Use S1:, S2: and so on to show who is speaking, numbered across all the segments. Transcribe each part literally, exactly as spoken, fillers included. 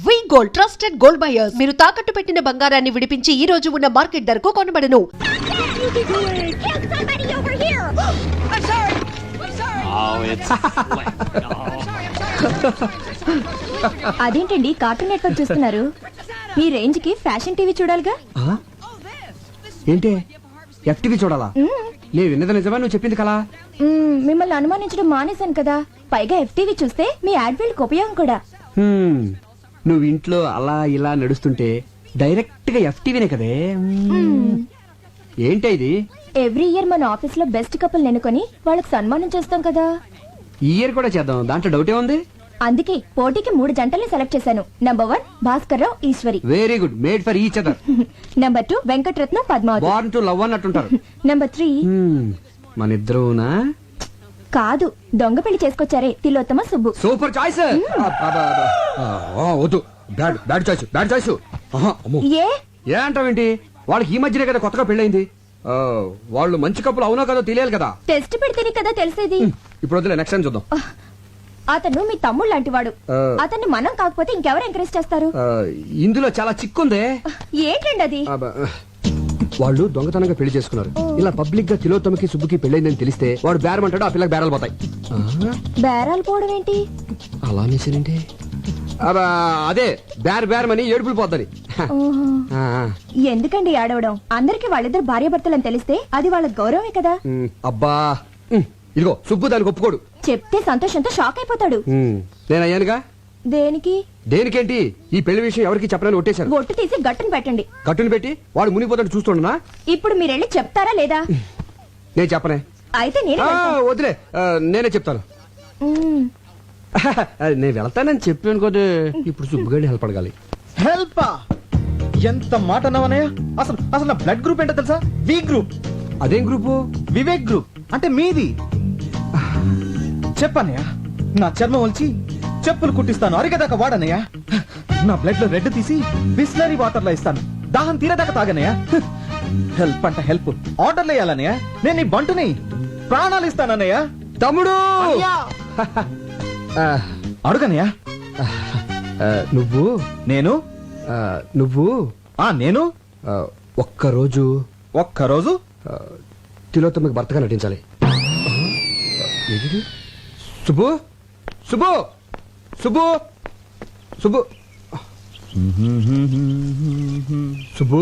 S1: వి gold trusted gold buyers. మీరు తాకట్టు పెట్టిన బంగారాన్ని విడిపించి ఈ రోజు ఉన్న మార్కెట్ ధరకు కొనబడను.
S2: అదేంటండి కార్టూన్ నెట్వర్క్ చూస్తున్నారు? మీ రేంజ్ కి ఫ్యాషన్ టీవీ చూడాలిగా.
S3: ఏంటి ఎఫ్టీవీ చూడాలా? నేను విన్నది నిజమా, నువ్వు చెప్పింది కలా?
S2: మిమ్మల్ని అనుమానించడం మానేశాను కదా, పైగా ఎఫ్టీవీ చూస్తే మీ యాడ్వీల్కి ఉపయోగం కూడా.
S3: నువ్వు ఇంట్లో అలా ఇలా నడుస్తుంటే డైరెక్ట్ గా ఎఫ్టీవీనే కదే. ఏంటి ఇది?
S2: ఎవ్రీ ఇయర్ మన ఆఫీస్ లో బెస్ట్ కపుల్ ఎన్నుకొని వాళ్ళకి సన్మానం చేస్తాం కదా.
S3: ఈ ఇయర్ కూడా చేద్దాం, దాంట్లో డౌటే ఉంది.
S2: అందుకే పోటీకి మూడు జంటల్ని సెలెక్ట్ చేశాను. Number one Bhaskar Rao Eshwari.
S3: Very good, made for each other.
S2: Number two Venkataratnam Padmavathi.
S3: Born to love అన్నట్టుంటారు.
S2: నంబర్ త్రీ
S3: మన ఇద్దరునా?
S2: కాదు, దొంగ పెళ్లి చేసుకొచ్చారే తిలోత్తమ సుబ్బు.
S3: Super choice. వద్దు, bad bad choice, bad choice.
S2: ఏ
S3: ఏ అంటావేంటి? వాళ్ళకి ఈ మధ్యనే కదా కొత్తగా పెళ్ళైంది. వాళ్ళు మంచి కప్పులు అవునో కదా తెలియాలి కదా.
S2: టెస్ట్ పెడితేనే కదా తెలిసేది.
S3: ఇప్పుడు వద్దులే, నెక్స్ట్ టైం చూద్దాం.
S2: అతను మీ తమ్ముడు లాంటి వాడు. అతన్ని మనం కాకపోతే ఇంకెవరు ఎంకరేజ్ చేస్తారు?
S3: ఇందులో చాలా చిక్కుందే.
S2: ఏంటండి అది?
S3: వాళ్ళు దొంగతనంగా పెళ్లి చేసుకున్నారు. ఇలా పబ్లిక్ గా తిలోత్తమకి సుబ్బుకి పెళ్ళైందని తెలిస్తే వాడు బేరమంటాడు, ఆ పిల్లకి బేరాలు పోతాయి.
S2: బేరాలు పోవడం ఏంటి?
S3: అలా అనేసేనండి. అదే బేర్ బేరమని ఏడుపులు పోద్దని.
S2: ఎందుకండి ఏడవడం? అందరికి వాళ్ళిద్దరు భార్య భర్తలని తెలిస్తే అది వాళ్ళ గౌరవమే కదా.
S3: అబ్బా, ఇదిగో సుబ్బు దానికి ఒప్పుకోడు.
S2: చెప్తే సంతోషంతో షాక్ అయిపోతాడు.
S3: నేను అయ్యానుగా.
S2: దేనికి?
S3: దేనికేంటి? ఈ పెళ్లి విషయం ఎవరికి చెప్పనని ఒట్టేశాను.
S2: ఒట్టు తీసి గట్టును పెట్టండి.
S3: గట్టును పెట్టి వాడు మునిగిపోతాడు చూస్తుండనా?
S2: ఇప్పుడు మీరెళ్ళి చెప్తారా లేదా?
S3: నేను చెప్పనే.
S2: అయితే నేను
S3: వదిలే, నేనే చెప్తాను. నేను వెళ్తానని చెప్పాను కదా. ఇప్పుడు సుబ్బుగాడి హెల్ప్ అడగాలి.
S4: హెల్ప్? ఎంత మాట అన్నావనయ్య? అసలు అసలు నా బ్లడ్ గ్రూప్ ఏంటో తెలుసా? V group.
S3: అదేం గ్రూపు?
S4: వివేక్ గ్రూప్. అంటే మీది. చెప్పనయ్య, నా చర్మం వచ్చి చెప్పులు కుట్టిస్తాను, అరిగేదాకా వాడనయ్యా. నా బ్లడ్ లో రెడ్ తీసి బిస్లరీ వాటర్ లో ఇస్తాను, దాహం తీరేదాకా తాగనయ్యా. హెల్ప్ అంట హెల్ప్, ఆర్డర్లు వేయాలనయ్యా. నేను నీ బంటుని, ప్రాణాలు ఇస్తానన్నయ్యా.
S3: తమ్ముడు
S4: అడుగనయ్యా.
S3: నువ్వు
S4: నేను
S3: నువ్వు
S4: ఆ నేను
S3: ఒక్కరోజు
S4: ఒక్కరోజు
S3: తిలోత్తమకి భర్తగా నటించాలి. సుబ్బు సుబ్బు సుబ్బు సుబ్బు సుబ్బు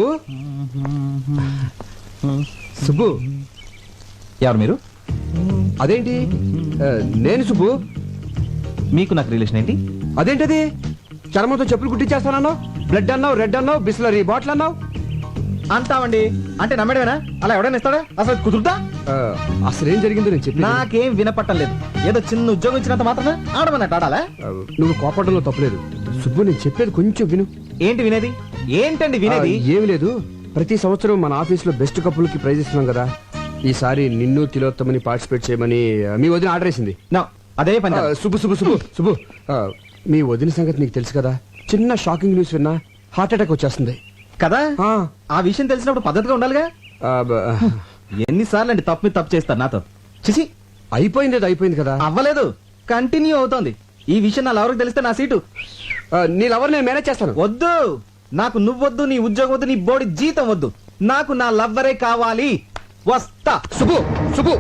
S3: సుబ్బు
S4: ఎవరు మీరు?
S3: అదేంటి నేను సుబ్బు.
S4: మీకు నాకు రిలేషన్ ఏంటి?
S3: అదేంటది? చర్మంతో చెప్పులు కుట్టించేస్తానన్నావు, బ్లడ్ అన్నావు, రెడ్ అన్నావు, బిస్లరీ బాటిల్ అన్నావు.
S4: అంటావండి అంటే నమ్మడమేనా? అలా ఎవడైనా ఇస్తాడా? అసలు కుదురుతా?
S3: అసలేం జరిగిందో నేను చెప్పి.
S4: నాకేం వినపట్టం లేదు. ఏదో చిన్న ఉద్యోగం ఇచ్చినంత మాత్రం ఆడమన్నట్టు ఆడాలా?
S3: నువ్వు కోపడంలో తప్పలేదు సుబ్బు, నేను చెప్పేది కొంచెం విను.
S4: ఏంటి వినేది? ఏంటండి వినేది?
S3: ఏమి లేదు, ప్రతి సంవత్సరం మన ఆఫీస్ లో బెస్ట్ కపుల్ కి ప్రైజ్ ఇస్తున్నాం కదా. ఈసారి నిన్ను తిలోత్తమని పార్టిసిపేట్ చేయమని మీ వదిన ఆర్డర్ వేసింది.
S4: అదే పని.
S3: సుబ్బు సుబ్బు సుబ్బు సుబ్బు మీ వదిన సంగతి నీకు తెలుసు కదా. చిన్న షాకింగ్ న్యూస్ విన్నా హార్ట్ అటాక్ వచ్చేస్తుంది
S4: కదా. ఆ విషయం తెలిసినప్పుడు పద్ధతిగా ఉండాలిగా. ఎన్నిసార్లు అండి తప్పు మీద తప్పు చేస్తారు నాతో? చిసి,
S3: అయిపోయింది, అది అయిపోయింది కదా.
S4: అవ్వలేదు, కంటిన్యూ అవుతోంది. ఈ విషయం నా లవర్కి తెలిస్తే నా సీటు.
S3: నీ లవర్ నేను మేనేజ్ చేస్తాను.
S4: వద్దు, నాకు నువ్వొద్దు, నీ ఉద్యోగం వద్దు, నీ బోడి జీతం వద్దు. నాకు నా లవ్వరే కావాలి. వస్తా.
S3: సుబ్బు సుబ్బు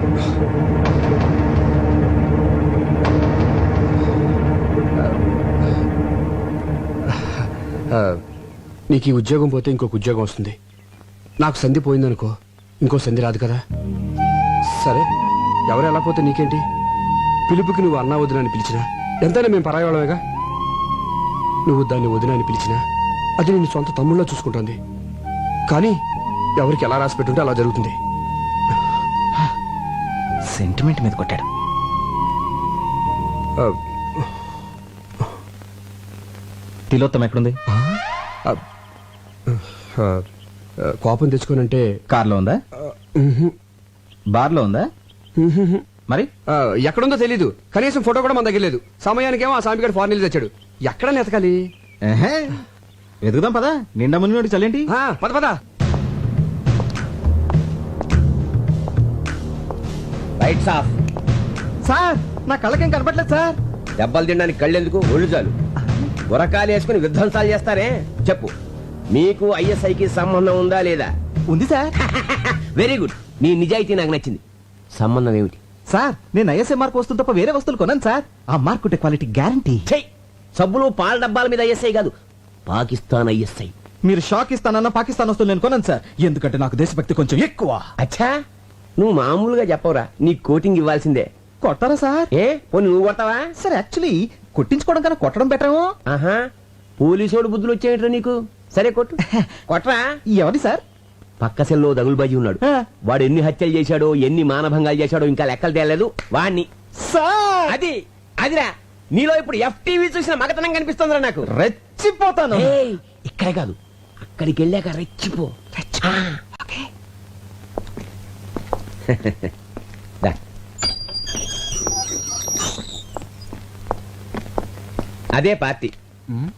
S3: నీకు ఈ ఉద్యోగం పోతే ఇంకొక ఉద్యోగం వస్తుంది. నాకు సంధి పోయిందనుకో, ఇంకో సంధి రాదు కదా. సరే, ఎవరు ఎలా పోతే నీకేంటి? పిలుపుకి నువ్వు అన్నా వదిన అని పిలిచినా ఎంతైనా మేము పరాయవాళ్ళమేగా. నువ్వు దాన్ని వదిన అని పిలిచినా అది నేను సొంత తమ్ముళ్ళ చూసుకుంటుంది. కానీ ఎవరికి ఎలా రాసి పెట్టుంటే అలా జరుగుతుంది.
S4: సెంటిమెంట్ మీద కొట్టాడు. తిలోత్తమ ఎక్కడుంది?
S3: కోపం తెచ్చుకోనంటే
S4: కార్లో ఉందా? బార్లో ఉందా? మరి
S3: ఎక్కడుందో తెలీదు. కనీసం ఫోటో కూడా మన దగ్గర లేదు. సమయానికేమో ఆ సామిగాడు ఫారెన్ వెళ్ళి తెచ్చాడు. ఎక్కడ ఎతకాలి?
S4: వెతుకుదాం పదా. నిండా మునిగి చల్లేంటి?
S3: పద పద.
S5: Lights off.
S4: సార్, నా కళ్ళకేం కనపట్లేదు సార్.
S5: దెబ్బలు తినడానికి కళ్ళెందుకు? ఒళ్ళు చాలు. గురకాలు వేసుకుని విధ్వంసాలు చేస్తారే చెప్పు, మీకు ఐఎస్ఐకి సంబంధం ఉందా లేదా?
S4: ఉంది సార్.
S5: వెరీ గుడ్, నీ నిజాయితీ నాకు నచ్చింది. సంబంధం ఏమిటి?
S4: సార్ నేను ఐఎస్ఐ మార్క్ వస్తువు తప్ప వేరే వస్తువులు కొన్నాను సార్. ఆ మార్క్ ఉంటే క్వాలిటీ గ్యారంటీ.
S5: చెయ్, సబ్బులు పాల డబ్బాల మీద ఐఎస్ఐ కాదు, పాకిస్తాన్ ఐఎస్ఐ.
S4: మీరు షాక్ ఇస్తానన్న పాకిస్తాన్ వస్తువులు నేను కొన్నాను సార్, ఎందుకంటే నాకు దేశభక్తి కొంచెం ఎక్కువ.
S5: అచ్చా, నువ్వు మామూలుగా చెప్పవురా, నీ కోటింగ్ ఇవ్వాల్సిందే.
S4: కొట్టారా సార్?
S5: ఏ పోనీ నువ్వు కొడతావా?
S4: సార్ యాక్చువల్లీ కొట్టించుకోవడం కన్నా కొట్టడం బెటరేమో.
S5: ఆహా, పోలీసోడు బుద్ధులు వచ్చేయట్రా నీకు. సరే కొట్టు, కొట్రా.
S4: ఎవరి సార్?
S5: పక్క సెల్లో దగులుబాజీ ఉన్నాడు.
S4: ఆ.
S5: వాడు ఎన్ని హత్యలు చేశాడో, ఎన్ని మానభంగాలు చేశాడో ఇంకా లెక్కలు తేలేదు. వాణ్ణి.
S4: సార్
S5: అది అదిరా, నీలో ఇప్పుడు ఎఫ్టీవీ చూసిన మగతనం కనిపిస్తుందిరా నాకు.
S4: రెచ్చిపోతాను.
S5: ఏయ్, ఇక్కడే కాదు, అక్కడికి వెళ్ళాక రెచ్చిపో. ఆ, ఓకే. దా. అదే పార్టీ. ఉమ్?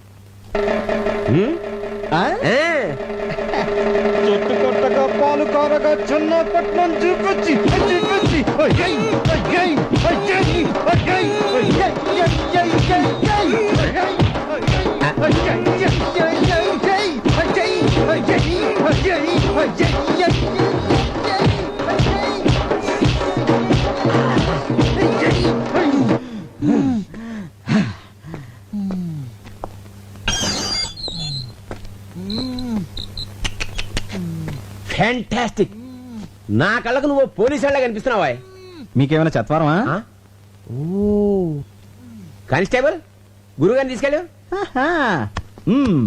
S4: ఆ?
S5: ఆ.
S4: చెట్టు కొట్టగా పాలు కారగా చిన్నపట్నం చూపించి చూపించి అయ్యయ్, అయ్యయ్, అయ్యయ్, అయ్యయ్, అయ్యయ్, అయ్యయ్, అయ్యయ్, అయ్యయ్, అయ్యయ్, అయ్యయ్, అయ్యయ్, అయ్యయ్.
S5: ఫ్యాంటాస్టిక్. నా కళ్ళకు నువ్వు పోలీసు వాళ్ళ కనిపిస్తున్నావా?
S4: మీకేమైనా చత్వారమా?
S5: ఆ? ఓ, కానిస్టేబుల్, గురుగారిని తీసుకెళ్ళు.
S4: ఆహా. మ్మ్.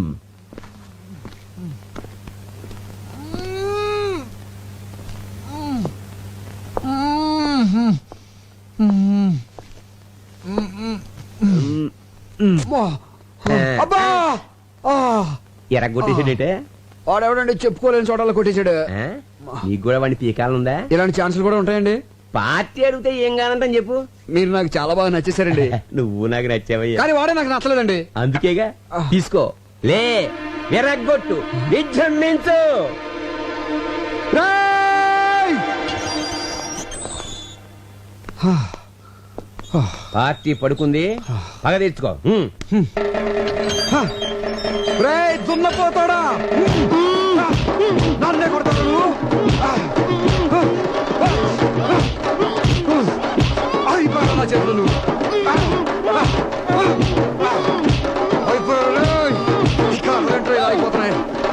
S3: అబ్బా ఆ,
S5: ఎరగొట్టేసాడేటే.
S3: వాడెవడండి చెప్పుకోలేని చోటలో కొట్టేశాడు.
S5: ఆ? నీకు కూడా వాడిని పీకాలనుందా?
S3: ఇలాంటి ఛాన్సులు కూడా ఉంటాయండి.
S5: పార్టీ అడిగితే ఏం కానంటని చెప్పు.
S3: మీరు నాకు చాలా బాగా నచ్చేసారండి.
S5: నువ్వు నాకు నచ్చావయ్యా.
S3: కానీ వాడే నాకు నచ్చలేదండి.
S5: అందుకేగా తీసుకో, లే, ఎరగొట్టు, విజృంభించు.
S3: రేయ్!
S5: పార్టీ పడుకుంది, పగ తీర్చుకో. హ్మ్.
S3: రేయ్, దున్నపోతాడా? నన్నే కొడతాడు నువ్వు? అయిపోయాడు నా చేతులు నువ్వు. అయిపోయాడు రేయ్. ఇక రెండు ఇలా అయిపోతున్నాయి.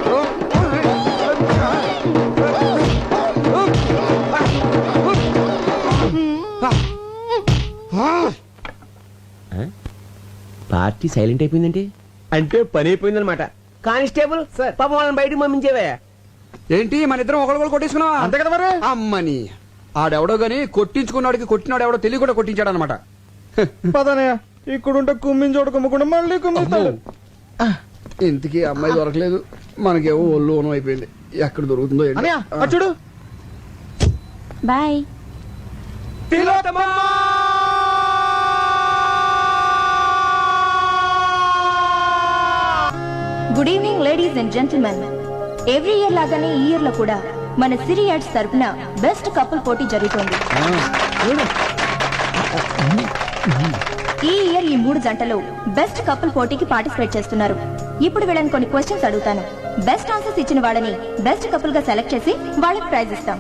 S5: పార్టీ సైలెంట్ అయిపోయిందంటే అంటే పని అయిపోయిందనమాట. కానిస్టేబుల్ సార్, పాపం వాళ్ళని బయటకు పంపించేవే.
S3: ఏంటి మన ఇద్దరం ఒకళ్ళు కొట్టేసుకున్నావా?
S4: అంతే కదా మరి.
S3: అమ్మని ఆడెవడో గాని కొట్టించుకున్నాడికి కొట్టినాడు ఎవడో తెలియ కూడా కొట్టించాడు అనమాట.
S4: పదనయ్య, ఇక్కడుంటే కుమ్మిని చోట కుమ్మకుండా మళ్ళీ కుమ్మిస్తాడు.
S3: ఇంతకీ అమ్మాయి దొరకలేదు, మనకేమో ఒళ్ళు ఓనం అయిపోయింది. ఎక్కడ దొరుకుతుందో ఏంటో.
S4: అన్నయ్య, అటు చూడు.
S2: Bye. Good evening ladies and gentlemen. Every year లాగానే ఈ ఇయర్ లో కూడా మన సిరి యాడ్స్ తరపున బెస్ట్ కపుల్ పోటీ జరుగుతోంది. ఈ ఇయర్ ఈ మూడు జంటలు బెస్ట్ కపుల్ పోటీకి పార్టిసిపేట్ చేస్తున్నారు. ఇప్పుడు వీళ్ళని కొన్ని క్వశ్చన్స్ అడుగుతాను. బెస్ట్ ఆన్సర్స్ ఇచ్చిన వాళ్ళని బెస్ట్ కపుల్ గా సెలెక్ట్ చేసి వాళ్ళకి ప్రైజ్ ఇస్తాం.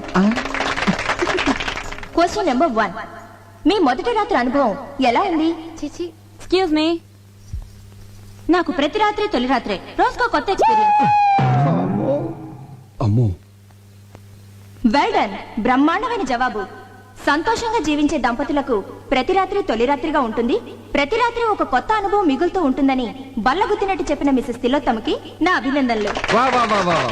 S2: క్వశ్చన్ నెంబర్ వన్, మీ మొదటి రాత్రి అనుభవం ఎలా ఉంది? చిచి, ఎక్స్క్యూజ్ మీ, నాకు ప్రతి రాత్రి తొలి రాత్రే, రోజుకో కొత్త ఎక్స్పీరియన్స్.
S3: అమ్మో,
S2: వెల్ డన్, బ్రహ్మాండమైన జవాబు. సంతోషంగా జీవించే దంపతులకు ప్రతి రాత్రి తొలి రాత్రిగా ఉంటుంది, ప్రతి రాత్రి ఒక కొత్త అనుభవం మిగులుతూ ఉంటుందని బల్లగుద్దినట్టు చెప్పిన మిసెస్ తిలోత్తమకి నా అభినందనలు.
S3: వా వా వా వా.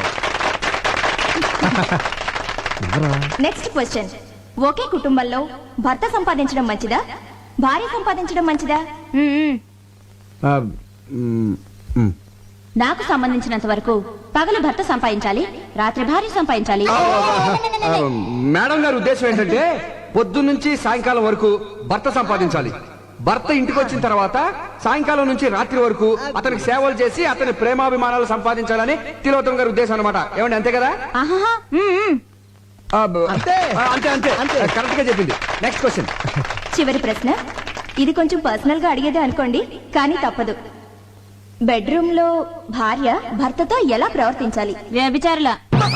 S2: నెక్స్ట్ క్వశ్చన్, ఒకే కుటుంబంలో భర్త సంపాదించడం మంచిదా, భార్య సంపాదించడం మంచిదా? మ్మ్.
S3: ఆ, మ్, మ్.
S2: నాకు సంబంధించినంత వరకు పగలు భర్త సంపాదించాలి, రాత్రి భార్య సంపాదించాలి.
S3: ఆ, మేడం గారి ఉద్దేశం ఏంటంటే పొద్దు నుంచి సాయంకాలం వరకు భర్త సంపాదించాలి, భర్త ఇంటికి వచ్చిన తర్వాత సాయంకాలం నుంచి రాత్రి వరకు అతనికి సేవలు చేసి అతని ప్రేమాభిమానాలు సంపాదించాలని తిలోత్తమ గారి ఉద్దేశం అనమాట. ఏమండి అంతే కదా?
S2: ఆహాహా, మ్మ్.
S3: ఆ, బ-
S4: అంతే.
S3: ఆ, అంతే అంతే కరెక్ట్ గా చెప్పింది. Next question.
S2: చివరి ప్రశ్న, ఇది కొంచెం పర్సనల్ గా అడిగేదే అనుకోండి, కానీ తప్పదు. బెడ్రూమ్ లో భార్య భర్తతో ఎలా ప్రవర్తించాలి? వ్యభిచారుల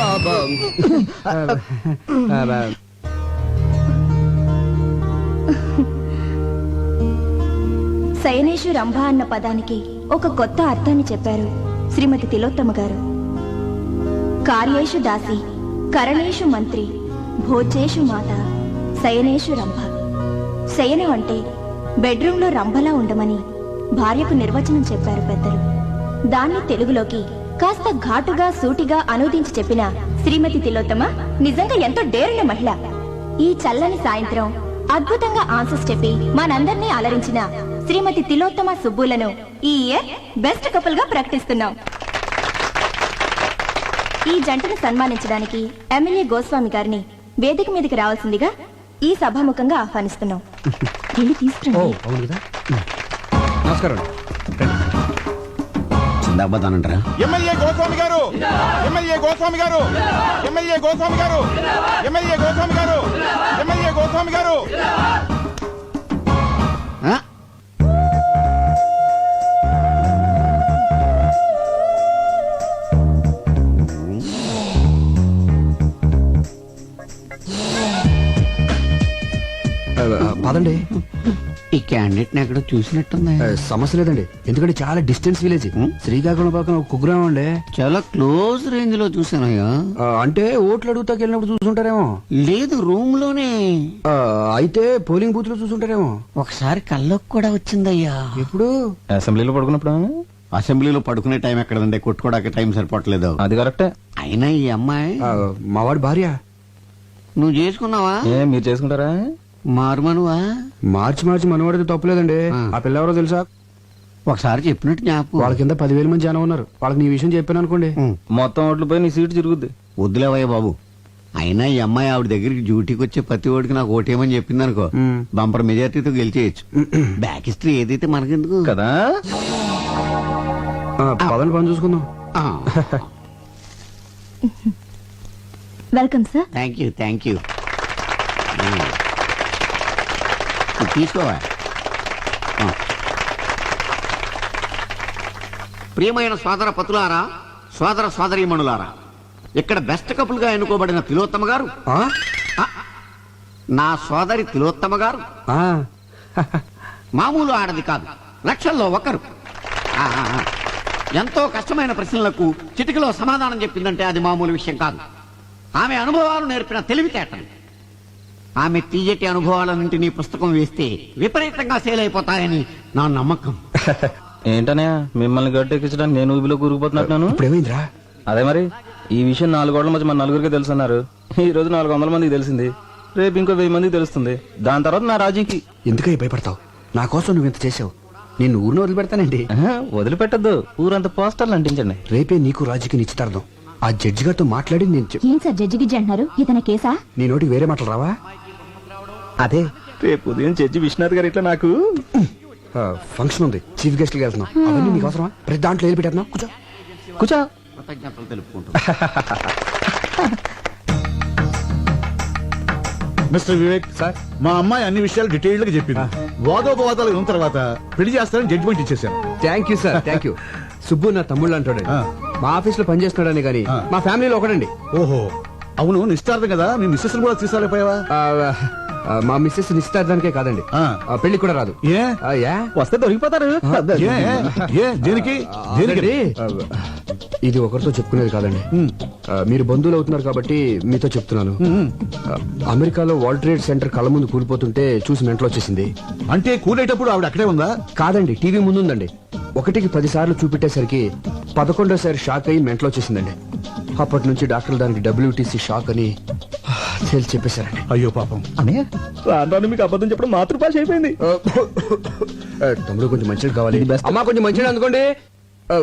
S2: శయనేషు రంభ అన్న పదానికి ఒక కొత్త అర్థాన్ని చెప్పారు శ్రీమతి తిలోత్తమ గారు. కార్యేషు దాసి, కరణేషు మంత్రి, భోజేషు మాత, శయనేషు రంభ. శయనం అంటే బెడ్రూమ్లో రంభలా ఉండమని భార్యకు నిర్వచనం చెప్పారు పెద్దలు. దాన్ని తెలుగులోకి కాస్త ఘాటుగా సూటిగా అనువదించి చెప్పిన శ్రీమతి తిలోత్తమ నిజంగా ఎంతో డేరున్న మహిళ. ఈ చల్లని సాయంత్రం అద్భుతంగా ఆన్సర్స్ చెప్పి మనందర్నీ అలరించిన శ్రీమతి తిలోత్తమ సుబ్బులను ఈ ఇయర్ బెస్ట్ కపుల్ గా ప్రకటిస్తున్నాం. ఈ జంటను సన్మానించడానికి ఎమ్మెల్యే గోస్వామి గారిని వేదిక మీదకి రావాల్సిందిగా ఈ సభాముఖంగా ఆహ్వానిస్తున్నాం. వెళ్ళి
S3: ఓ
S2: తీసుకురండి.
S3: అవును కదా. నమస్కారం.
S6: చిందాబాదానంటారా?
S7: ఎమ్మెల్యే గోస్వామి గారు ఎమ్మెల్యే గోస్వామి గారు ఎమ్మెల్యే గోస్వామి గారు ఎమ్మెల్యే గోస్వామి గారు ఎమ్మెల్యే గోస్వామి గారు
S6: ఆ?
S3: ఆ, పదండి.
S6: ఈ క్యాండిడేట్ ఎక్కడో చూసినట్టుంది.
S3: ఆ, సమస్య లేదండి, ఎందుకంటే చాలా డిస్టెన్స్ విలేజ్. శ్రీకాకుళం పక్కన ఒక కుగ్రామం అండి.
S6: చాలా క్లోజ్ రేంజ్ లో చూసానయ్యా.
S3: ఆ, అంటే ఓట్లు అడుగుతాకి వెళ్ళినప్పుడు చూసుంటారేమో.
S6: లేదు, రూమ్ లోనే.
S3: ఆ, అయితే పోలింగ్ బూత్ లో చూసుంటారేమో.
S6: ఒకసారి కల్లోకి కూడా వచ్చిందయ్యా.
S3: ఎప్పుడు?
S4: అసెంబ్లీలో పడుకున్నప్పుడు
S6: అసెంబ్లీలో పడుకునే టైం ఎక్కడండి, కొట్టుకోవడానికి టైం సరిపోవట్లేదు.
S4: అది కరెక్టే.
S6: అయినా ఈ అమ్మాయి
S3: ఆ, మావాడి భార్య.
S6: నువ్వు చేసుకున్నావా?
S4: ఏ మీరు చేసుకుంటారా?
S6: మారుమనువా?
S3: మార్చి మార్చి మనవాడితే తప్పలేదండి.
S6: ఆ.
S3: ఆ పిల్ల ఎవరో తెలుసా?
S6: ఒకసారి చెప్పినట్టు జ్ఞాపకం.
S3: వాళ్ళ కింద పదివేల మంది జనం ఉన్నారు. వాళ్ళకి నీ విషయం చెప్పాను అనుకోండి.
S6: ఉం.
S4: మొత్తం ఓట్లు పోయి నీ సీటు తిరుగుద్ది.
S6: వద్దులేవయ్య బాబు. అయినా ఈ అమ్మాయి ఆవిడ దగ్గరికి డ్యూటీకి వచ్చే ప్రతి ఓడికి నాకు ఓటేమని చెప్పింది అనుకో,
S3: ఉం.
S6: బంపర్ మెజార్టీతో గెలిచేయచ్చు. బ్యాక్ హిస్టరీ ఏదైతే మనకెందుకు
S4: కదా.
S3: ఆ, పదని పని చూసుకుందాం.
S2: Welcome sir.
S6: Thank you thank you. తీసుకోవా. ఆ. ప్రియమైన సోదర పతులారా, సోదర సోదరీమణులారా, ఇక్కడ బెస్ట్ కపుల్ గా ఎన్నుకోబడిన తిలోత్తమ గారు,
S3: ఆ?
S6: ఆ, నా సోదరి తిలోత్తమ గారు
S3: ఆ.
S6: మామూలు ఆడది కాదు, లక్షల్లో ఒకరు. ఆ, ఆ, ఆ. ఎంతో కష్టమైన ప్రశ్నలకు చిటికలో సమాధానం చెప్పిందంటే అది మామూలు విషయం కాదు. ఆమె అనుభవాలు నేర్పిన తెలివితేటలు. ఆమె తీయటి అనుభవాలన్నింటినీ పుస్తకం వేస్తే విపరీతంగా సేల్ అయిపోతాయని నా నమ్మకం.
S4: ఏంటనే మిమ్మల్ని గట్టెక్కించడానికి నేను ఊబిలో కూరుకుపోతున్నట్టున్నాను.
S3: ఇప్పుడు ఏమైందిరా?
S4: అదే మరి ఈ విషయం నాలుగు గోడల మధ్య మన నలుగురికి తెలుసున్నారు. ఈ రోజు నాలుగు వందల మందికి తెలిసింది, రేపు ఇంకో వెయ్యి మందికి తెలుస్తుంది. దాని తర్వాత నా రాజీకి.
S3: ఎందుకై భయపడతావు? నా కోసం నువ్వు ఇంత చేసావు, నేను ఊరిని వదిలిపెడతానండి.
S4: ఆహా, వదిలిపెట్టద్దు, ఊరంతా పోస్టర్లు అంటించండి.
S3: రేపే నీకు రాజుకి నిశ్చితార్థం. ఆ జడ్జి గారితో మాట్లాడి నేను చెప్-
S2: ఏం సార్ జడ్జి గిడ్జి అంటున్నారు? ఇతని కేసా?
S3: నీ నోటికి వేరే మాటలు రావా?
S4: అదే రేపు ఉదయం జడ్జి విశ్వనాథ్ గారు ఇట్లా నాకు
S3: ఆ, ఫంక్షన్ ఉంది, చీఫ్ గెస్ట్ కి వెళ్తున్నాం. అవన్నీ నీకు అవసరమా? ప్రతి దాంట్లో ఏది పెట్టేస్తున్నావు? కూర్చో.
S4: కూర్చో.
S6: కృతజ్ఞతలు తెలుపుకుంటూ
S8: మిస్టర్ వివేక్
S3: సార్.
S8: మా అమ్మాయి అన్ని విషయాలు డీటెయిల్డ్ గా చెప్పింది. వాదోపవాదాలు విన్న తర్వాత పెళ్లి చేస్తానని జడ్జిమెంట్ ఇచ్చేసాను.
S3: Thank you sir, thank you. Subbu నా తమ్ముళ్ళు అంటాడు.
S8: ఆ.
S3: మా ఆఫీస్ లో పనిచేస్తున్నాడని కానీ
S8: ఆ.
S3: మా ఫ్యామిలీలో ఒకడండి.
S8: ఓహో, అవును నిశ్చితార్థం కదా, నీ మిస్సెస్ కూడా తీసుకురాలేపోయావా?
S3: ఆ, ఆ, మా మిస్సెస్ నిశ్చితార్థానికే కాదండి,
S8: ఆ.
S3: ఆ, పెళ్లికి కూడా రాదు.
S8: ఏ
S3: ఆ, యా?
S4: వస్తే దొరికిపోతారు.
S8: ఏ ఏ దేనికి దేనికి
S3: అదండి, ఆ, ఇది ఒకరితో చెప్పుకునేది కాదండి. ఆ, మీరు బంధువులు అవుతున్నారు కాబట్టి మీతో చెప్తున్నాను. ఆ, అమెరికాలో వరల్డ్ ట్రేడ్ సెంటర్ కళ్ళ ముందు కూలిపోతుంటే చూసి మెంటలు వచ్చేసింది.
S8: అంటే కూలేటప్పుడు ఆవిడ అక్కడే ఉందా?
S3: కాదండి, టీవీ ముందుందండి. ఒకటికి పది సార్లు చూపెట్టేసరికి పదకొండోసారి షాక్ అయ్యి మెంటలు వచ్చేసిందండి. అప్పటి నుంచి డాక్టర్లు దానికి డబ్ల్యూటీసీ షాక్ అని తేల్చి చెప్పేశారండి.
S8: అయ్యో పాపం.
S4: అనే రాను మీకు అబద్ధం చెప్పడం మాతృభాష అయిపోయింది.
S3: ఆ, ఆ, తమ్ముడు కొంచెం మంచిది కావాలి. అమ్మా కొంచెం మంచిది అందుకోండి. ఆ,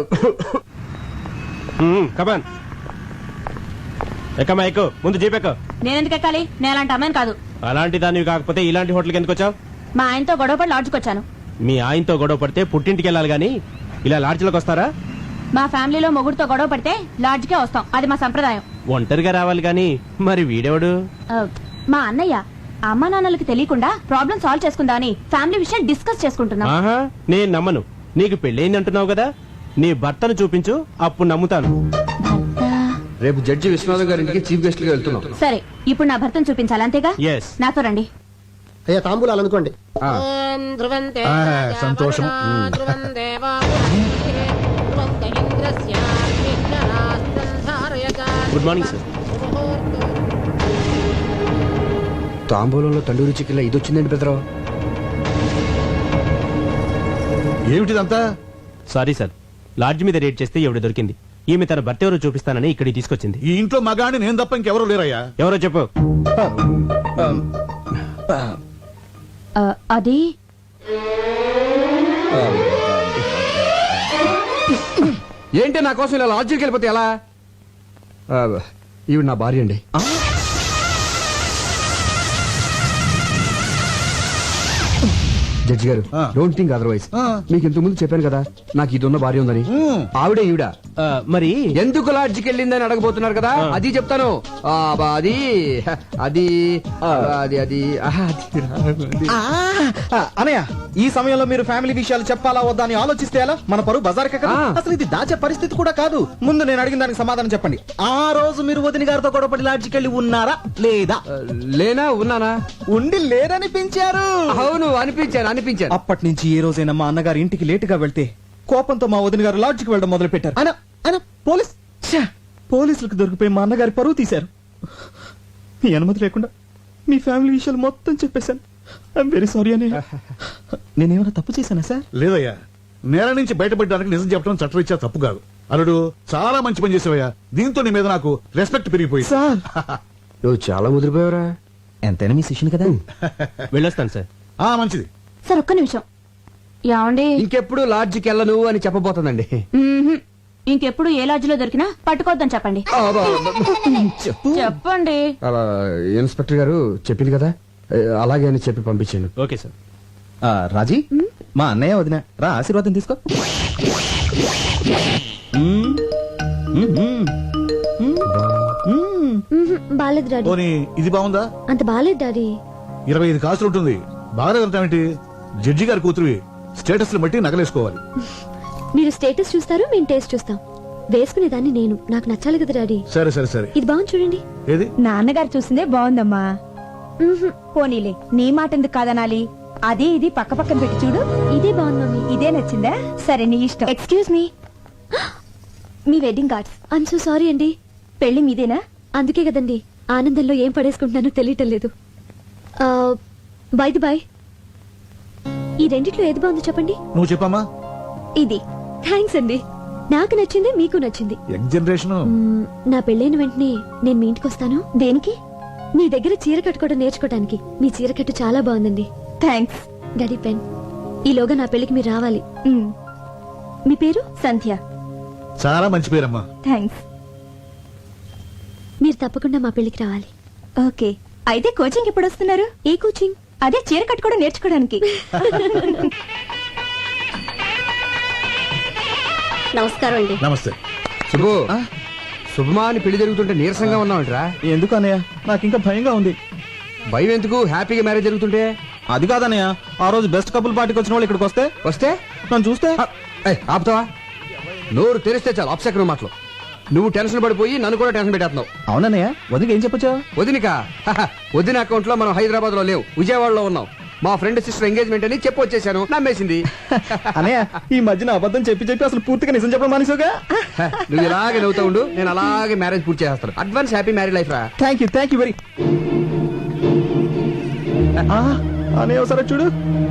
S9: కమాన్ ఎక్కమ్మా, ఎక్కు. ముందు జీపెక్కు.
S2: నేనెందుకు ఎక్కాలి? నేను అలాంటి అమ్మాయిని కాదు.
S9: అలాంటి దానివి కాకపోతే ఇలాంటి హోటల్కి ఎందుకు వచ్చావు?
S2: మా ఆయనతో గొడవపడి లాడ్జ్కి వచ్చాను.
S9: మీ ఆయనతో గొడవ పడితే పుట్టింటికి వెళ్ళాలి గాని ఇలా లాడ్జ్లోకి వస్తారా?
S2: మా ఫ్యామిలీలో మొగుడుతో గొడవ పడితే లాడ్జ్కే వస్తాం, అది మా సంప్రదాయం.
S9: ఒంటరిగా రావాలి గాని మరి వీడెవడు?
S2: ఆ, మా అన్నయ్య అమ్మా నాన్నలకి తెలియకుండా ప్రాబ్లం సాల్వ్ చేసుకుందా అని ఫ్యామిలీ విషయం డిస్కస్ చేసుకుంటున్నాం.
S9: ఆహా, నేను నమ్మను. నీకు పెళ్ళయింది అంటున్నావు కదా, నీ భర్తను చూపించు, అప్పుడు నమ్ముతాను.
S3: రేపు జడ్జి విశ్వనాథం గారి ఇంటికి చీఫ్ గెస్ట్ గా వెళ్తున్నాం.
S2: సరే ఇప్పుడు నా భర్తను చూపించాలి అంతేగా?
S9: ఎస్.
S2: నాతో రండి.
S8: అయ్యా తాంబూలాలు అనుకోండి.
S3: ఆ,
S8: సంతోషం.
S9: Good morning sir.
S3: తాంబూలంలో తండూరి చికెన్ ఇది వచ్చిందండి పెద్దరావు.
S8: ఏమిటిదంతా?
S9: సారీ సార్, లాడ్జ్ మీద రేట్ చేస్తే ఎవడు దొరికింది. ఈమె తన భర్త ఎవరో చూపిస్తానని ఇక్కడికి తీసుకొచ్చింది.
S8: ఈ ఇంట్లో మగాడిని నేను తప్ప ఇంకెవరూ లేరయ్యా.
S9: ఎవరో చెప్పు.
S2: ఆ, అది
S3: ఏంటి నా కోసం ఇలా లాడ్జికి వెళ్ళిపోతే ఎలా? ఆ, ఈవిడ నా భార్య అండి. జడ్జి గారు,
S8: ఆ.
S3: Don't think otherwise.
S8: ఆ.
S3: మీకు ఇంతకు ముందు చెప్పాను కదా నాకు ఇది ఉన్న భార్య ఉందని.
S8: ఉమ్.
S3: ఆవిడే ఈవిడ.
S9: ఆ, మరి
S3: ఎందుకు లాడ్జికి వెళ్ళిందని అడగబోతున్నారు కదా,
S9: ఆ.
S3: అది చెప్తాను. ఆ, బా, అది అది ఆ, అది అది ఆహా, అది
S4: ఆ, ఆ, అనయ్య ఈ సమయంలో మీరు ఫ్యామిలీ విషయాలు చెప్పాలా వద్దా అని ఆలోచిస్తే ఎలా? మన పరువు బజార్కే కదా.
S3: ఆ.
S4: అసలు ఇది దాచే పరిస్థితి కూడా కాదు. ముందు నేను అడిగిన దానికి సమాధానం చెప్పండి. ఆ రోజు మీరు వదిన గారితో గొడవపడి లాడ్జికి వెళ్ళి ఉన్నారా లేదా?
S3: ఆ, లేనా ఉన్నానా?
S4: ఉండి లేరనిపించారు.
S3: అవును, అనిపించాను అనిపించాను.
S4: అప్పటి నుంచి ఏ రోజైనా మా అన్నగారి ఇంటికి లేటుగా వెళ్తే కోపంతో మా వదిన గారు లాడ్జికి వెళ్ళడం మొదలు పెట్టారు. అన అన పోలీస్ ఛ! పోలీసులకు దొరికిపోయి మా అన్నగారి పరువు తీశారు. మీ అనుమతి లేకుండా మీ ఫ్యామిలీ విషయాలు మొత్తం చెప్పేశాను. ఐఎమ్ వెరీ సారీ అని. నేనేమైనా తప్పు చేశానా సార్?
S8: లేదయ్యా, నేల నుంచి బయటపడడానికి నిజం చెప్పడం చట్టరీత్యా తప్పు కాదు. అల్లుడు చాలా మంచి పని చేసావయ్యా. దీంతో నీ మీద నాకు రెస్పెక్ట్ పెరిగిపోయింది.
S4: సార్
S3: నువ్వు చాలా ముదిరిపోయావురా.
S4: ఎంతైనా మీ శిష్యుని కదా.
S9: వెళ్ళొస్తాను సార్.
S8: ఆ మంచిది.
S2: సార్ ఒక్క నిమిషం. ఏమండి?
S3: ఇంకెప్పుడు లాడ్జికి వెళ్ళను అని చెప్పబోతుందండి.
S2: మ్మ్హ్మ్. ఇంకెప్పుడు ఏ లాడ్జిలో దొరికినా పట్టుకోవద్దని చెప్పండి.
S3: ఆ, బా, బా,
S4: చెప్పు.
S2: చెప్పండి.
S3: అలా ఇన్స్పెక్టర్ గారు చెప్పింది కదా, అలాగే అని చెప్పి పంపించాను.
S9: Okay sir.
S4: ఆ, రాజీ మా అన్నయ్య వదిన రా ఆశీర్వాదం తీసుకో. మ్మ్. మ్మ్, మ్మ్. మ్మ్.
S10: బాలేదు డాడీ.
S8: పోనీ ఇది బాగుందా?
S10: అంత బాలేదు డాడీ.
S8: ఇరవై ఐదు కాసులు ఉంటుంది. బాగాలేదంటావేంటి? జడ్జి గారి కూతురువి, స్టేటస్ బట్టి నగలేసుకోవాలి.
S10: మీరు స్టేటస్ చూస్తారు, మేము టేస్ట్ చూస్తాం. వేసుకునేదాన్ని నేను, నాకు నచ్చాలి కదా డాడీ.
S8: సరే సరే సరే.
S10: ఇది బాగుంది చూడండి.
S8: ఏది?
S2: నాన్నగారు చూసిందే బాగుందమ్మా. పోనీలే, నీ మాట ఎందుకు కాదనాలి? అదే ఇది పక్క పక్కన పెట్టి చూడు.
S10: ఇదే బాగుంది మమ్మీ.
S2: ఇదే నచ్చిందా? సరే నీ ఇష్టం.
S10: ఎక్స్క్యూజ్ మీ, మీ wedding cards. I'm so sorry అండి.
S2: పెళ్లి మీదేనా?
S10: అందుకే కదండి ఆనందంలో ఏం పడేసుకుంటున్నానో తెలియటం లేదు. బై ది బై, ఈ రెండిట్లో ఏది బాగుందో చెప్పండి.
S8: నువ్వు చెప్పమ్మా.
S10: ఇది. థ్యాంక్స్ అండి, నాకు నచ్చింది, మీకు నచ్చింది.
S8: Young generation.
S10: మ్మ్, నా పెళ్ళైన వెంటనే నేను మీ ఇంటికి వస్తాను.
S2: దేనికి?
S10: మీ దగ్గర చీర కట్టుకోవడం నేర్చుకోవడానికి. మీ చీర కట్టు చాలా బాగుందండి.
S2: థ్యాంక్స్.
S10: Daddy pen. ఈలోగా నా పెళ్లికి మీరు రావాలి.
S2: మ్,
S10: మీ పేరు?
S2: సంధ్య.
S8: చాలా మంచి పేరమ్మా.
S2: థ్యాంక్స్.
S10: మీరు తప్పకుండా మా పెళ్లికి రావాలి.
S2: ఓకే, అయితే కోచింగ్ ఎప్పుడు వస్తున్నారు?
S10: ఏ కోచింగ్?
S2: అదే చీర కట్టుకోవడం నేర్చుకోవడానికి.
S10: నమస్కారం అండి.
S8: నమస్తే.
S3: శుభు, శుభమా అని పెళ్లి జరుగుతుంటే నీరసంగా ఉన్నావంటరా?
S4: ఎందుకు అన్నయ్య? నాకు ఇంకా భయంగా ఉంది.
S3: భయం ఎందుకు? హ్యాపీగా మ్యారేజ్ జరుగుతుంటే.
S4: అది కాదన్నయ్య, ఆ రోజు బెస్ట్ కపుల్ పార్టీకి వచ్చిన వాళ్ళు ఇక్కడికి వస్తే
S3: వస్తే
S4: నన్ను చూస్తే
S3: ఆ, ఏయ్, ఆపుతావా? నోరు తెరిస్తే చాలు అప్సెకరం మాటలు. నువ్వు టెన్షన్ పడిపోయి నన్ను కూడా టెన్షన్ పెట్టేస్తున్నావు.
S4: అవునన్నయ్య, వదిలికి ఏం చెప్పొచ్చా?
S3: వదినిక వదిన అకౌంట్ లో మనం హైదరాబాద్ లో లేవు, విజయవాడలో ఉన్నాం. మా ఫ్రెండ్ సిస్టర్ ఎంగేజ్మెంట్ అని చెప్పి వచ్చేసాను. నమ్మేసింది.
S4: అన్నయ్య, ఈ మధ్యన అబద్ధం చెప్పి చెప్పి అసలు పూర్తిగా నిజం చెప్పడం మానేసావుగా.
S3: నువ్వు ఇలాగే నవ్వుతా ఉండు, నేను అలాగే మ్యారేజ్ పూర్తి చేస్తాను. అడ్వాన్స్ హ్యాపీ మ్యారేజ్ లైఫ్ రా.
S4: Thank you thank you very. అన్నయ్య ఒకసారి చూడు.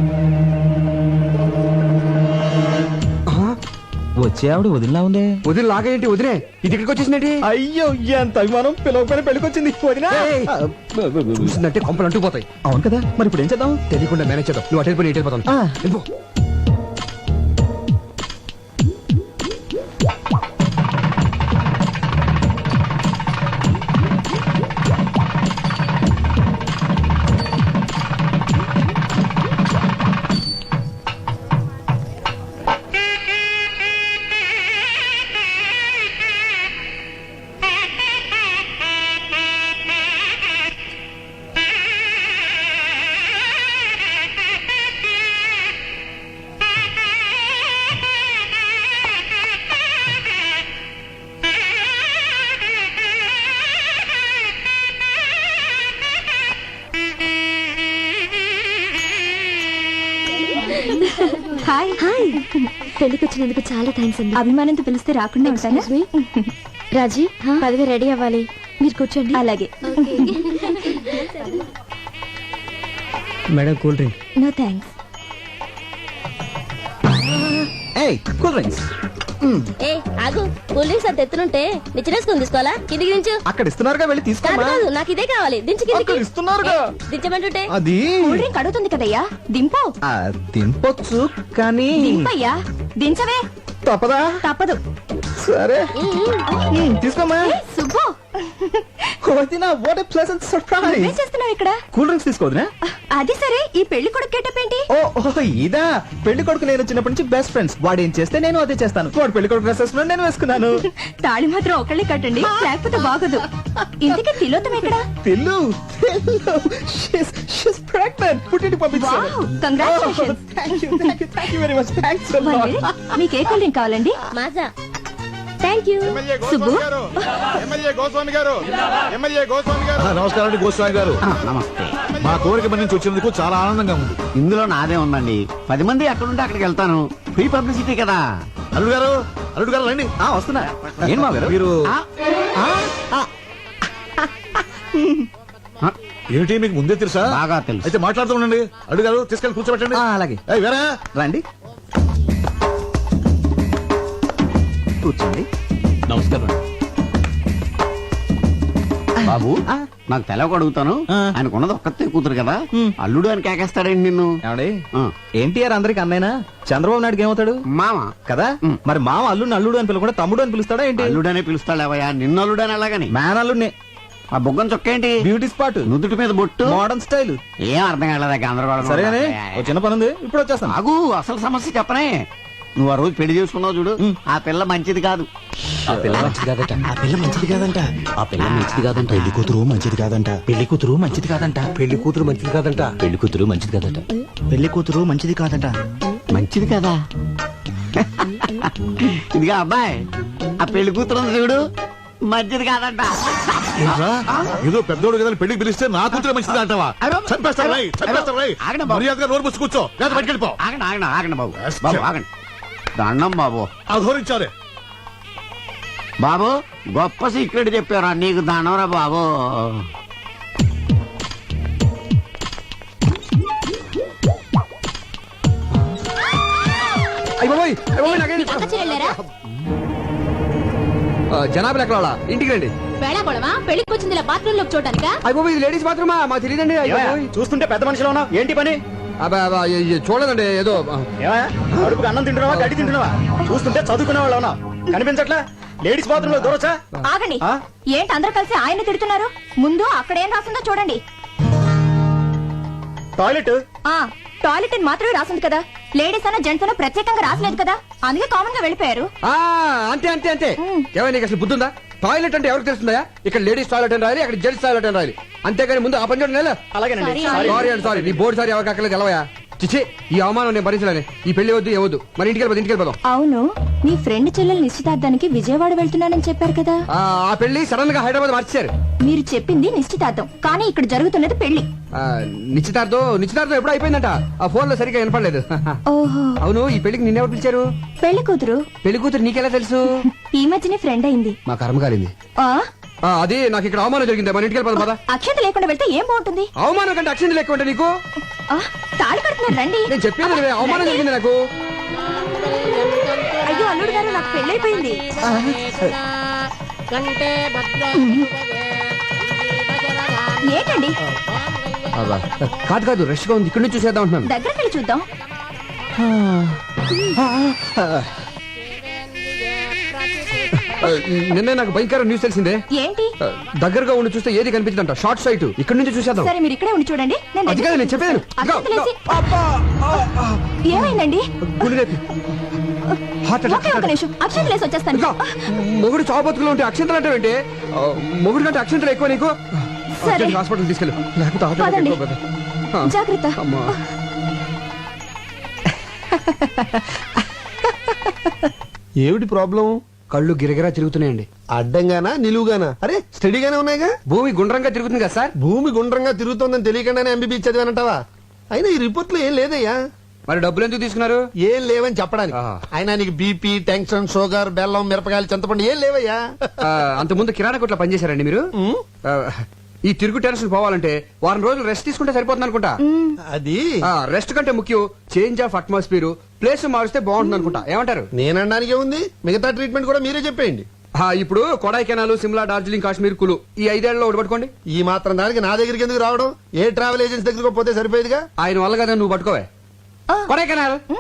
S4: వచ్చే ఆవిడ వదిలినా ఉందే.
S3: వదిన లాగేంటి? వదినే ఇది ఇక్కడికి వచ్చేసిందేంటి?
S4: అయ్యో, ఎంత అభిమానం! పిలవకపోయినా పెళ్ళికొచ్చింది వదినా.
S3: ఏయ్. చూసిందంటే కొంపలు అంటుకుపోతాయి.
S4: అవును కదా, మరి ఇప్పుడు ఏం చేద్దాం?
S3: తెలియకుండా మేనేజ్ చేద్దాం. నువ్వు అటు వెళ్ళిపోయి ఇటు వెళ్ళిపోతాను.
S4: ఆ.
S3: వెళ్ళిపో.
S10: పెళ్లికి వచ్చినందుకు చాలా థ్యాంక్స్ అండి.
S2: అభిమానంతో పిలిస్తే రాకుండా ఉంటాను.
S10: రాజీ పదవి రెడీ అవ్వాలి, మీరు కూర్చోండి.
S2: అలాగే.
S5: Madam cool drink.
S2: No thanks.
S4: ఏయ్ కూల్ డ్రింక్స్
S11: ఏ ఆగు, కూల్ డ్రింక్స్ అంత ఎత్తునుంటే నిచ్చినేసుకుని తీసుకోవాలా? కిందికి దించు.
S4: అక్కడ ఇస్తున్నారుగా, వెళ్ళి
S11: కాదు
S4: తీసుకోమా.
S11: కాదు, నాకు ఇదే కావాలి. దించు కిందికి.
S4: అక్కడ ఇస్తున్నారుగా.
S11: ఏ, దించమంటుంటే
S4: అది
S2: కూల్ డ్రింక్ అడుగుతుంది కదయ్యా, దింపు.
S4: ఆ, దింపొచ్చు కానీ
S2: దింపయ్యా, దించవే.
S4: తప్పదా?
S2: తప్పదు.
S4: సరే ఉమ్, తీసుకోమా.
S2: ఏయ్, సుబ్బు,
S4: వదినా, what a pleasant surprise.
S2: నువ్వేం చేస్తున్నావు ఇక్కడ?
S4: కూల్ డ్రింక్స్ తీసుకోవద్దునా?
S2: అది సరే, ఈ పెళ్లి కొడుకు గెటప్ ఏంటి?
S4: ఓ ఓ ఇదా, పెళ్లి కొడుకు నేను చిన్నప్పటి నుంచి బెస్ట్ ఫ్రెండ్స్. వాడు ఏం చేస్తే నేను అదే చేస్తాను. వాడు పెళ్లి కొడుకు డ్రెస్ వేసుకున్నాను, నేను వేసుకున్నాను.
S2: తాళి మాత్రం ఒకళ్ళే కట్టండి, లేకపోతే బాగోదు. ఇంతకీ తిలోతం ఎక్కడ?
S4: పిల్లు పిల్లు షీస్ షీస్ ప్రెగ్నెంట్. పుట్టింటి పంపించాను.
S2: Wow, congratulations.
S4: Thank you thank you thank you very much. Thanks a
S2: One
S4: lot.
S2: minute. మీకు ఏ కూల్ డ్రింక్ కావాలండి?
S11: Maaza. Thank you.
S7: MLA
S2: Subbu?
S7: Goswami గారు ఎమ్మెల్యే గోస్వామి గారు ఎమ్మెల్యే గోస్వామి గారు
S8: ఆ, నమస్కారం అండి గోస్వామి గారు.
S6: ఆ, నమస్తే.
S8: మా కోరిక మన నుంచి వచ్చినందుకు చాలా ఆనందంగా ఉంది.
S6: ఇందులో నాదే ఉందండి. పది మంది ఎక్కడుంటే అక్కడికి వెళ్తాను. ఫ్రీ పబ్లిసిటీ కదా.
S8: అల్లుడు గారు అల్లుడు గారు రండి.
S4: ఆ వస్తున్నా. ఏం మా గారు?
S8: మీరు
S6: ఆ, ఆ, ఆ. ఆ,
S8: ఏమిటి మీకు ముందే తెలుసా?
S6: బాగా తెలుసు.
S8: అయితే మాట్లాడుతూ ఉండండి. అల్లుడు గారు తీసుకెళ్ళి కూర్చోబెట్టండి.
S4: ఆ, అలాగే.
S8: ఏయ్, వేరా
S4: రండి కూర్చోండి.
S9: నమస్కారం.
S6: బాబు
S4: ఆ.
S6: నాకు తెలవక అడుగుతాను.
S4: ఆ.
S6: ఆయనకున్నది ఒక్కతే కూతురు కదా, అల్లుడు అని కేకేస్తాడండి నిన్ను.
S4: ఏమండి,
S6: ఆ.
S4: ఎన్టీఆర్ అందరికి అన్నైనా, చంద్రబాబు నాయుడు ఏమవుతాడు?
S6: మామ
S4: కదా.
S6: ఉమ్.
S4: మరి మామ అల్లుడిని అల్లుడు అని పిలవకుండా తమ్ముడు అని పిలుస్తాడా ఏంటి?
S6: అల్లుడనే పిలుస్తాడేవయ్యా, నిన్ను అల్లుడని అలాగని.
S4: మ్యాన్ అల్లుడిని.
S6: ఆ బుగ్గం చొక్క ఏంటి?
S4: బ్యూటీ స్పాట్,
S6: నుదుటి మీద బొట్టు,
S4: మోడర్న్ స్టైల్.
S6: ఏం అర్థం కాలేదా? గందరగోళం.
S4: సరేనే, ఓ చిన్న పని ఉంది, ఇప్పుడు వచ్చేస్తాను.
S6: ఆగు, అసలు సమస్య చెప్పనే. నువ్వు ఆ రోజు పెళ్లి చేసుకున్నావు చూడు, ఆ పిల్ల మంచిది కాదు.
S5: ఆ పిల్ల మంచిది కాదట. ఆ పిల్ల మంచిది కాదంట. ఆ పిల్ల మంచిది కాదంట. పెళ్లి కూతురు మంచిది కాదంట. పెళ్లి కూతురు మంచిది కాదంట. పెళ్లి కూతురు మంచిది కాదంట. పెళ్లి కూతురు మంచిది కాదట. పెళ్లి కూతురు మంచిది కాదంట.
S6: మంచిది కదా. ఇదిగా అబ్బాయి, ఆ పెళ్లి కూతురు ఉంది చూడు, మంచిది కాదంట.
S8: ఏంట్రా? ఏదో పెద్దోడు కదా అని పెళ్లికి పిలిస్తే నా కూతురు మంచిది అంటావా? చంపేస్తాను రై, చంపేస్తాను రై.
S6: ఆగండి బాబు.
S8: మర్యాదగా నోరు మూసి కూర్చో, లేదా బయటికి వెళ్ళిపో.
S6: ఆగండి ఆగండి ఆగండి బాబు. బాబు ఆగండి. దండం బాబు.
S8: అఘోరించారే.
S6: బాబు గొప్ప సీక్రెట్ చెప్పారా, నీకు దండంరా బాబు.
S3: అయ్య బాబోయ్, అయ్య బాబోయ్, నాకేంటి?
S11: అక్క చెల్లెళ్ళారా?
S3: ఆ, జనాభా ఎక్కడ వాళ్ళ? ఇంటికి రండి.
S11: వేళాకోళమా? పెళ్లికి వచ్చింది ఇలా బాత్రూమ్ లో చూడటానికా?
S3: అయ్య బాబోయ్, ఇది లేడీస్ బాత్రూమా? మాకు తెలియదండి. అయ్య బాబోయ్.
S4: చూస్తుంటే పెద్ద మనిషిలో ఉన్నావు, ఏంటి పని?
S3: అబ్బా, అబ్బా, ఇ- ఇ- చూడలేదండి ఏదో ఆ,
S4: ఏమయ్య? అడుపుకి అన్నం తింటున్నావా, గడ్డి తింటున్నావా? చూస్తుంటే చదువుకునే వాళ్ళు ఉన్నావు, కనిపించట్లా? లేడీస్ బాత్రూమ్ లో దూరొచ్చా?
S2: ఆగండి.
S4: ఆ?
S2: ఏంటి అందరూ కలిసి ఆయన తిడుతున్నారు? ముందు అక్కడ ఏం రాసిందో చూడండి.
S4: టాయిలెట్.
S2: ఆ టాయిలెట్ అని మాత్రమే రాసింది కదా, లేడీస్ అన్న జెంట్స్ అన్న ప్రత్యేకంగా రాసలేదు కదా, అందుకే కామన్ గా వెళ్ళిపోయారు.
S3: ఆ, అంతే అంతే అంతే. ఏమైనా నీకు అసలు బుద్ధి ఉందా? టాయిలెట్ అంటే ఎవరికి తెలుస్తుందా? ఇక్కడ లేడీస్ టాయిలెట్ అని రాయాలి, అక్కడ జెంట్స్ టాయిలెట్ అని రాయాలి. అంతేగాని ముందు ఆ పని చూడండి.
S4: అలాగేనండి.
S3: సారీ అండి, సారీ. నీ బోర్డు సారీ ఎవరికి అక్కర్లేదు, ఎలవయా. చిచి, ఈ అవమానం నేను భరించలేను. ఈ పెళ్లి వద్దు, ఏవద్దు. మరి ఇంటికి వెళ్ళిపోదు, ఇంటికి వెళ్ళిపోదాం.
S2: అవును, మీ ఫ్రెండ్ చెల్లెలు నిశ్చితార్థానికి విజయవాడ వెళ్తున్నానని చెప్పారు కదా.
S3: ఆ, ఆ పెళ్లి సడన్ గా హైదరాబాద్ మార్చారు.
S2: మీరు చెప్పింది నిశ్చితార్థం, కానీ ఇక్కడ జరుగుతున్నది పెళ్లి.
S3: ఆ, నిశ్చితార్థం నిశ్చితార్థం ఎప్పుడు అయిపోయిందంట. ఆ ఫోన్ లో సరిగ్గా వినపడలేదు.
S2: ఓహో,
S3: అవును, ఈ పెళ్లికి నిన్నెవరు పిలిచారు?
S2: పెళ్లి కూతురు
S3: పెళ్లి కూతురు నీకెలా తెలుసు?
S2: ఈ మధ్యనే ఫ్రెండ్ అయింది.
S3: మా కర్మ కాలింది.
S2: ఆ
S3: ఆ, అది నాకు ఇక్కడ అవమానం జరిగింది. మన ఇంటికి వెళ్ళిపోదాం పద.
S2: అక్షత లేకుండా వెళ్తే ఏం బాగుంటుంది?
S3: అవమానం కంటే అక్షింది లెక్క ఉంటే నీకు?
S2: ఆ, తాళి కడుతున్నారు, రండి.
S3: నేను చెప్పేది వినవే, అవమానం జరిగింది నాకు.
S2: అయ్యో అల్లుడు గారు, నాకు పెళ్ళైపోయింది. ఏంటండి?
S3: అబ్బా, కాదు కాదు, రష్ గా ఉంది, ఇక్కడ నుంచి చూసేద్దాం అంటున్నాను.
S2: దగ్గరికి వెళ్ళి చూద్దాం.
S3: ఆ, నిన్నే నాకు భయంకర న్యూస్ తెలిసిందే.
S2: ఏంటి?
S3: ఆ, దగ్గరగా ఉండి చూస్తే ఏది కనిపించదంట. Short site. ఇక్కడ నుంచి చూసేద్దాం.
S2: సరే, మీరు ఇక్కడే ఉండి చూడండి. నేను
S3: అది కాదు నేను చెప్పేది.
S2: అక్షతలు వేసి- ఏమైందండి?
S3: హార్ట్
S2: ఒకే ఒక నిమిషం, అక్షతలు వేసి వచ్చేస్తాను.
S3: మొగుడు చావబతుకులో ఉంటే అక్షంతలు అంటే ఏంటి? ఆ, మొగుడు కంటే అక్షంతలు ఎక్కువ నీకు?
S2: సరే.
S3: అర్జెంట్ హాస్పిటల్ తీసుకెళ్ళు, లేకపోతే హార్ట్ అటాక్
S2: పదండి.
S3: ఎక్కువ కదా. ఆ,
S2: జాగ్రత్త.
S3: అమ్మా.
S5: ఏమిటి ప్రాబ్లం?
S3: కళ్ళు గిరగిరా తిరుగుతున్నాయండి.
S5: అడ్డంగానా నిలువుగానా? అరే స్టడీగానే ఉన్నాయిగా.
S3: భూమి గుండ్రంగా తిరుగుతుంది కదా సార్?
S5: భూమి గుండ్రంగా తిరుగుతోందని తెలియకుండానే ఎంబీబీ చదివానంటావా? అయినా ఈ రిపోర్ట్ లో ఏం లేదయ్యా.
S3: మరి డబ్బులు ఎందుకు తీసుకున్నారు?
S12: ఏం లేవని చెప్పడానికి.
S3: ఆహా.
S12: అయినా నీకు బీపీ, టెన్షన్, షుగర్, బెల్లం, మిరపకాయలు, చింతపండు ఏం లేవయ్యా?
S3: ఆ, అంతకుముందు కిరాణా కొట్లో పనిచేశారండి మీరు? ఆ, ఈ తిరుగు టెన్షన్ పోవాలంటే వారం రోజులు రెస్ట్ తీసుకుంటే సరిపోతుంది అనుకుంటా.
S12: అది
S3: రెస్ట్ కంటే ముఖ్యం చేంజ్ ఆఫ్ అట్మాస్ఫియర్, ప్లేస్ మారిస్తే బాగుంటుంది అనుకుంటా. ఏమంటారు?
S12: నేనడానికి ఉంది, మిగతా ట్రీట్మెంట్ కూడా మీరే చెప్పేయండి.
S3: ఆ, ఇప్పుడు కొడైకెనాల్, సిమ్లా, డార్జిలింగ్, కాశ్మీర్, కులు ఈ ఐదేళ్లలో ఒకటి పట్టుకోండి.
S12: ఈ మాత్రం దానికి నా దగ్గరికి ఎందుకు రావడం? ఏ ట్రావెల్ ఏజెన్సీ దగ్గరకు పోతే సరిపోయేదిగా.
S3: ఆయన వల్ల కదా నువ్వు పట్టుకోవే. కొడైకెనాల్